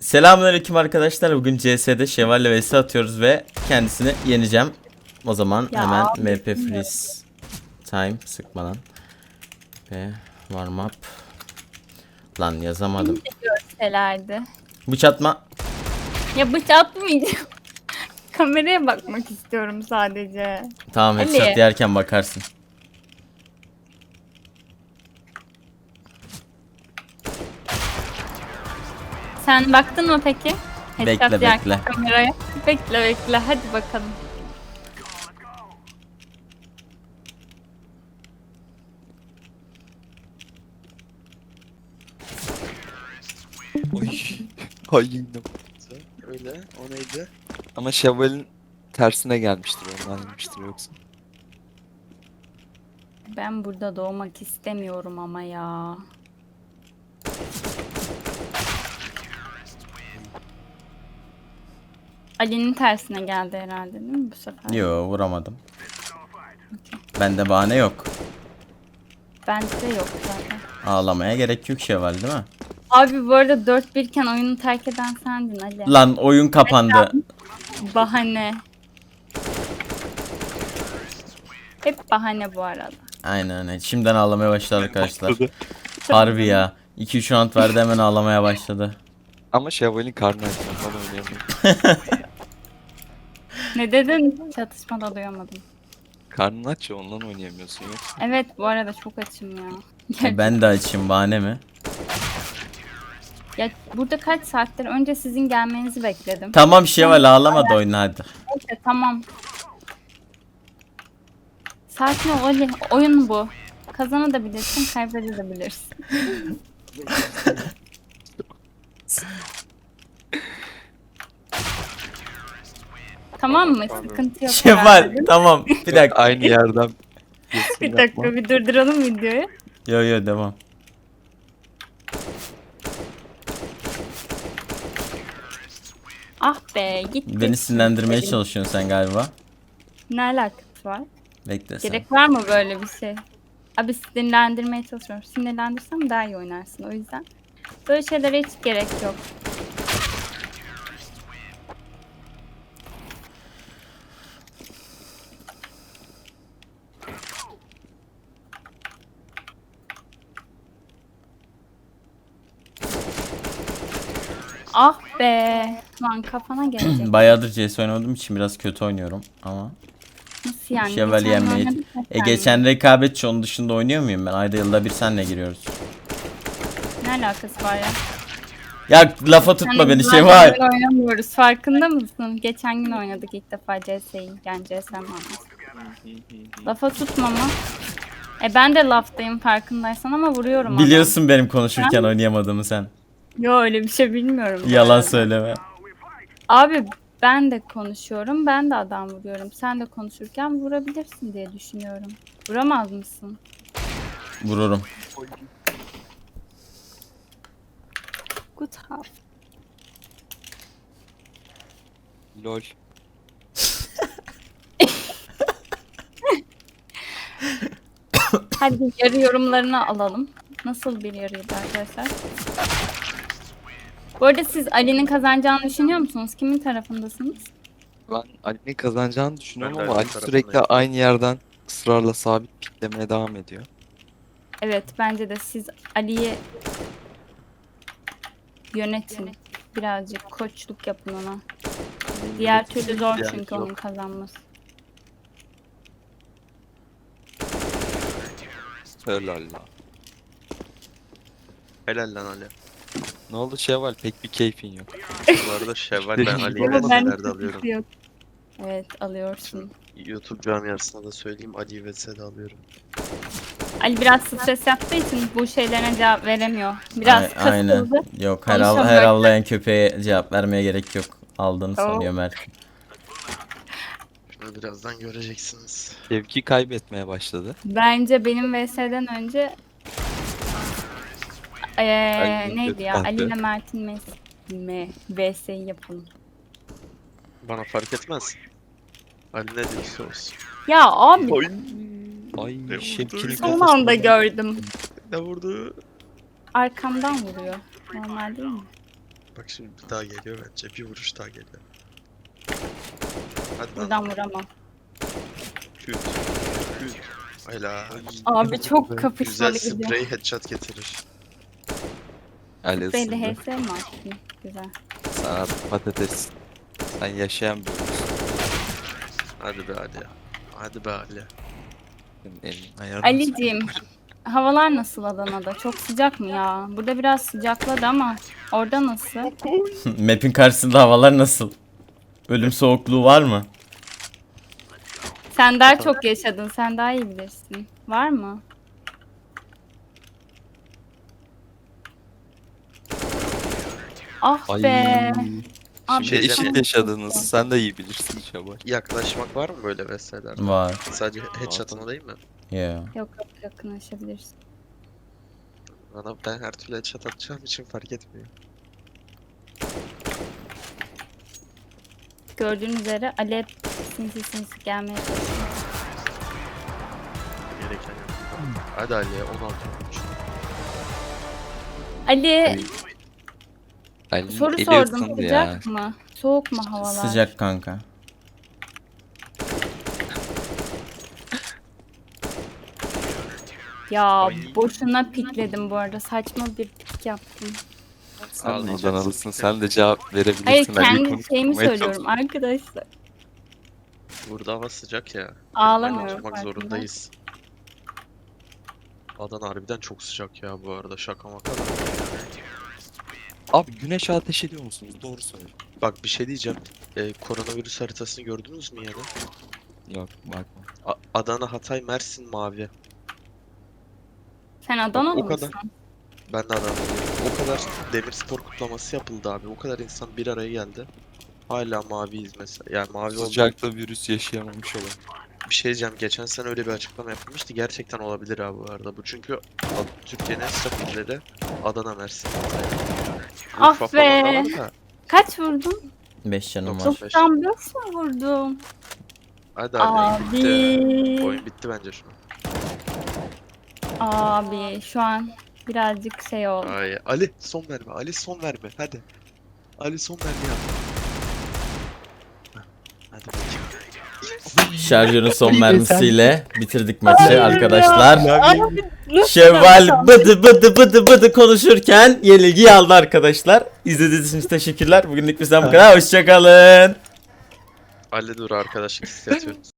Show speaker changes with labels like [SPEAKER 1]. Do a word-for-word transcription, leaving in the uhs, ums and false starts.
[SPEAKER 1] Selamünaleyküm arkadaşlar. Bugün C S'de Şevval'le vs atıyoruz ve kendisini yeneceğim. O zaman
[SPEAKER 2] Ya
[SPEAKER 1] hemen
[SPEAKER 2] abi,
[SPEAKER 1] M P freeze time sıkmadan ve warm up. Lan yazamadım.
[SPEAKER 2] görselerdi.
[SPEAKER 1] Bıçatma.
[SPEAKER 2] Ya bıçak atmayacağım. Kameraya bakmak istiyorum sadece.
[SPEAKER 1] Tamam,
[SPEAKER 2] Ali.
[SPEAKER 1] headshot yerken bakarsın.
[SPEAKER 2] Sen baktın mı peki?
[SPEAKER 1] Bekle,
[SPEAKER 2] Headshot yerken
[SPEAKER 1] bekle.
[SPEAKER 2] Kameraya. Bekle bekle hadi bakalım.
[SPEAKER 3] Oy. Ay yine öyle. O neydi? Ama Şevval'in tersine gelmiştir, ondan gelmiştir yoksa.
[SPEAKER 2] Ben burada doğmak istemiyorum ama ya. Ali'nin tersine geldi herhalde değil mi bu sefer?
[SPEAKER 1] Yo, vuramadım. Bende bahane yok.
[SPEAKER 2] Bende de yok zaten.
[SPEAKER 1] Ağlamaya gerek yok Şevval, değil mi?
[SPEAKER 2] Abi bu arada dört bir iken oyunu terk eden sendin Ali.
[SPEAKER 1] Lan oyun kapandı.
[SPEAKER 2] Bahane. Hep bahane bu arada.
[SPEAKER 1] Aynen öyle. Şimdiden ağlamaya başladı arkadaşlar. Harbi ya. iki üç round verdi, hemen ağlamaya başladı.
[SPEAKER 3] Ama Şevval'in karnı aç, ondan oynayamıyor.
[SPEAKER 2] Ne dedin? Çatışmada duyamadım.
[SPEAKER 3] Karnın aç ya, ondan oynayamıyorsun yoksa.
[SPEAKER 2] Evet bu arada çok açım ya.
[SPEAKER 1] E, ben de açayım, bahane mi?
[SPEAKER 2] Ya burada kaç saattir önce sizin gelmenizi bekledim.
[SPEAKER 1] Tamam Şevval, ağlama da oyna hadi.
[SPEAKER 2] Neyse tamam. Sakin ol Ali. Oyun bu. Kazanabilirsin, kaybedebilirsin. Tamam mı? Sıkıntı yok.
[SPEAKER 1] Şevval
[SPEAKER 2] herhalde.
[SPEAKER 1] tamam, bir dakika.
[SPEAKER 3] Aynı yerden.
[SPEAKER 2] Bir dakika bir durduralım videoyu.
[SPEAKER 1] Yo yo, devam.
[SPEAKER 2] Ah be gitti.
[SPEAKER 1] Beni sinirlendirmeye çalışıyorsun sen galiba.
[SPEAKER 2] Ne alakası var?
[SPEAKER 1] Bekle sen.
[SPEAKER 2] Gerek var mı böyle bir şey? Abi sinirlendirmeye çalışıyorum. Sinirlendirsem daha iyi oynarsın o yüzden. Böyle şeylere hiç gerek yok. Ah be. Lan kafana gelecek.
[SPEAKER 1] Bayağıdır C S oynamadığım için biraz kötü oynuyorum ama.
[SPEAKER 2] Nasıl yani?
[SPEAKER 1] Şevval
[SPEAKER 2] Geçen
[SPEAKER 1] yenmeyi.
[SPEAKER 2] oynadık ya
[SPEAKER 1] E
[SPEAKER 2] sen.
[SPEAKER 1] geçen rekabetçi, onun dışında oynuyor muyum ben? Ayda yılda bir senle giriyoruz.
[SPEAKER 2] Ne alakası var ya?
[SPEAKER 1] Ya lafa tutma
[SPEAKER 2] Hani
[SPEAKER 1] beni
[SPEAKER 2] biz
[SPEAKER 1] Şevval.
[SPEAKER 2] zaten oynamıyoruz. Farkında mısın? Geçen gün oynadık ilk defa C S'yi. Yani C S manası. Lafa tutma mı? E ben de laftayım farkındaysan ama vuruyorum adamı.
[SPEAKER 1] Biliyorsun benim konuşurken oynayamadığımı sen.
[SPEAKER 2] Yo öyle bir şey bilmiyorum. bu
[SPEAKER 1] Yalan
[SPEAKER 2] arada.
[SPEAKER 1] söyleme.
[SPEAKER 2] Abi ben de konuşuyorum, ben de adam vuruyorum. Sen de konuşurken vurabilirsin diye düşünüyorum. Vuramaz mısın?
[SPEAKER 1] Vururum.
[SPEAKER 2] Good half.
[SPEAKER 3] Lol.
[SPEAKER 2] Hadi yarı yorumlarını alalım. Nasıl bir yarıydı arkadaşlar? Bu arada siz Ali'nin kazanacağını düşünüyor musunuz? Kimin tarafındasınız?
[SPEAKER 3] Ben Ali'nin kazanacağını düşünüyorum
[SPEAKER 4] Ben de
[SPEAKER 3] ama Ali
[SPEAKER 4] Ali'nin
[SPEAKER 3] sürekli
[SPEAKER 4] tarafındayım.
[SPEAKER 3] aynı yerden ısrarla sabit piklemeye devam ediyor.
[SPEAKER 2] Evet bence de siz Ali'yi yönetin. Birazcık koçluk yapın ona. Diğer türlü zor
[SPEAKER 3] Yani
[SPEAKER 2] çünkü
[SPEAKER 3] yok.
[SPEAKER 2] onun kazanması.
[SPEAKER 3] Helal la.
[SPEAKER 4] Helal lan Ali.
[SPEAKER 3] Ne oldu Şevval, pek bir keyfin yok.
[SPEAKER 4] Bu arada Şevval ben Ali'yi
[SPEAKER 2] Ama ben
[SPEAKER 4] V S'lerde alıyorum.
[SPEAKER 2] yok. Evet alıyorsun.
[SPEAKER 4] YouTube camiasına da söyleyeyim, Ali'yi V S'de alıyorum.
[SPEAKER 2] Ali biraz stres yaptığı için bu şeylerine cevap veremiyor. Biraz
[SPEAKER 1] Ay- aynen.
[SPEAKER 2] kasıldı.
[SPEAKER 1] Yok, her, av-
[SPEAKER 2] Konuşamıyor.
[SPEAKER 1] her avlayan köpeğe cevap vermeye gerek yok. Aldığını
[SPEAKER 2] Tamam.
[SPEAKER 1] sanıyor Mert.
[SPEAKER 4] Şunu birazdan göreceksiniz.
[SPEAKER 3] Şevki kaybetmeye başladı.
[SPEAKER 2] Bence benim V S'den önce ee,
[SPEAKER 3] Ali
[SPEAKER 2] neydi ya?
[SPEAKER 3] kötü
[SPEAKER 2] Ali ile
[SPEAKER 3] baktı.
[SPEAKER 2] Mert'in mes me V S'yi yapalım.
[SPEAKER 4] Bana fark etmez. Ali ne diyorsa olsun.
[SPEAKER 2] Ya abi
[SPEAKER 4] Oy.
[SPEAKER 3] Ay
[SPEAKER 4] Ne
[SPEAKER 3] Şevki'nin
[SPEAKER 4] vurdu?
[SPEAKER 2] son
[SPEAKER 3] kafasına
[SPEAKER 2] anda
[SPEAKER 3] bak.
[SPEAKER 2] gördüm.
[SPEAKER 4] Ne vurdu?
[SPEAKER 2] Arkamdan vuruyor. Normal değil mi?
[SPEAKER 4] Bak şimdi bir daha geliyor bence. Bir vuruş daha geliyor. Hadi lan.
[SPEAKER 2] Buradan vuramam.
[SPEAKER 4] Küt. Küt. Helal.
[SPEAKER 2] Abi çok
[SPEAKER 4] Güzel
[SPEAKER 2] kapışmalı gidiyor.
[SPEAKER 4] sprey headshot getirir.
[SPEAKER 3] Ali
[SPEAKER 2] Böyle
[SPEAKER 3] ısındı.
[SPEAKER 2] H S mi attın? Güzel.
[SPEAKER 3] Sana patates. Sen yaşayan bir ölüsün.
[SPEAKER 4] Hadi be Ali. Hadi be Ali.
[SPEAKER 3] Senin elin ayarın.
[SPEAKER 2] Ali'ciğim, havalar nasıl Adana'da? Çok sıcak mı ya? Burada biraz sıcakladı ama orada nasıl?
[SPEAKER 1] Map'in karşısında havalar nasıl? Ölüm soğukluğu var mı?
[SPEAKER 2] Sen daha çok yaşadın, sen daha iyi bilirsin. Var mı? Ah
[SPEAKER 3] Ay.
[SPEAKER 2] be. Abi,
[SPEAKER 3] Şimdi
[SPEAKER 4] Şey
[SPEAKER 3] eşit
[SPEAKER 4] diyeceğim.
[SPEAKER 3] yaşadınız. Sen de iyi bilirsin Şabay.
[SPEAKER 4] Yaklaşmak var mı böyle vesairelerde?
[SPEAKER 1] Var.
[SPEAKER 4] Sadece headshot ama değil mi?
[SPEAKER 1] Yeah.
[SPEAKER 2] Yok yok yakınlaşabilirsin.
[SPEAKER 4] Bana ben her türlü headshot atacağım için fark etmiyor.
[SPEAKER 2] Gördüğünüz üzere Ali sinsi sinsi gelmeye çalışıyor.
[SPEAKER 4] Gereken yok. Hadi Ali'ye on altı olmuş.
[SPEAKER 2] Ali
[SPEAKER 3] Ali
[SPEAKER 2] soru
[SPEAKER 3] eli
[SPEAKER 2] sordum,
[SPEAKER 3] ısındı ya.
[SPEAKER 2] sıcak mı? Soğuk mu havalar?
[SPEAKER 1] Sıcak kanka.
[SPEAKER 2] Ya boşuna pikledim bu arada. Saçma bir pik yaptım.
[SPEAKER 3] Sen
[SPEAKER 4] Ağlayacaksın.
[SPEAKER 3] Adanalısın. Sen de cevap verebilirsin.
[SPEAKER 2] Hayır
[SPEAKER 3] Ali
[SPEAKER 2] kendi
[SPEAKER 3] konuşmaya
[SPEAKER 2] şeyimi
[SPEAKER 3] çalış.
[SPEAKER 2] söylüyorum arkadaşlar.
[SPEAKER 4] Burada hava sıcak ya.
[SPEAKER 2] Ağlamıyorum.
[SPEAKER 4] Çıkmak
[SPEAKER 2] farkında.
[SPEAKER 4] zorundayız. Adana harbiden çok sıcak ya bu arada, şaka maka da.
[SPEAKER 3] Abi güneş ateş ediyor musunuz? Doğru söyle.
[SPEAKER 4] Bak bir şey diyeceğim. Ee, koronavirüs haritasını gördünüz mü ya da?
[SPEAKER 3] Yok bakma.
[SPEAKER 4] A- Adana, Hatay, Mersin mavi.
[SPEAKER 2] Sen Adanalı
[SPEAKER 4] o kadar.
[SPEAKER 2] mısın?
[SPEAKER 4] Ben de Adana'dayım. O kadar Demirspor kutlaması yapıldı abi. O kadar insan bir araya geldi. Hala maviyiz mesela. Yani mavi oldu.
[SPEAKER 3] Sıcakta virüs yaşayamamış olan.
[SPEAKER 4] Bir şey diyeceğim. Geçen sene öyle bir açıklama yapılmıştı. Gerçekten olabilir abi bu arada. Bu çünkü Ad- Türkiye'nin en sıcak illeri Adana, Mersin, Hatay.
[SPEAKER 2] Ah
[SPEAKER 4] Urfa falan da
[SPEAKER 2] be.
[SPEAKER 4] var da.
[SPEAKER 2] Kaç vurdun?
[SPEAKER 1] beş canım var.
[SPEAKER 4] Dokuz. Beş.
[SPEAKER 2] doksan beş mi vurdum?
[SPEAKER 4] Hadi abi. Bitti.
[SPEAKER 2] Abi.
[SPEAKER 4] Oyun bitti bence şu an.
[SPEAKER 2] Abi şu an birazcık şey oldu.
[SPEAKER 4] Ay, Ali son verme. Ali son verme. Hadi. Ali son verme yap. Heh, hadi bakayım.
[SPEAKER 1] Şarjörün son mermisiyle bitirdik maçı arkadaşlar.
[SPEAKER 2] Nasıl
[SPEAKER 1] Şevval bıdı bıdı bıdı bıdı konuşurken yenilgiyi aldı arkadaşlar. İzlediğiniz için teşekkürler. Bugünlük bizden bu kadar. Hoşçakalın.
[SPEAKER 4] Ali dur, arkadaşlık hissediyorum.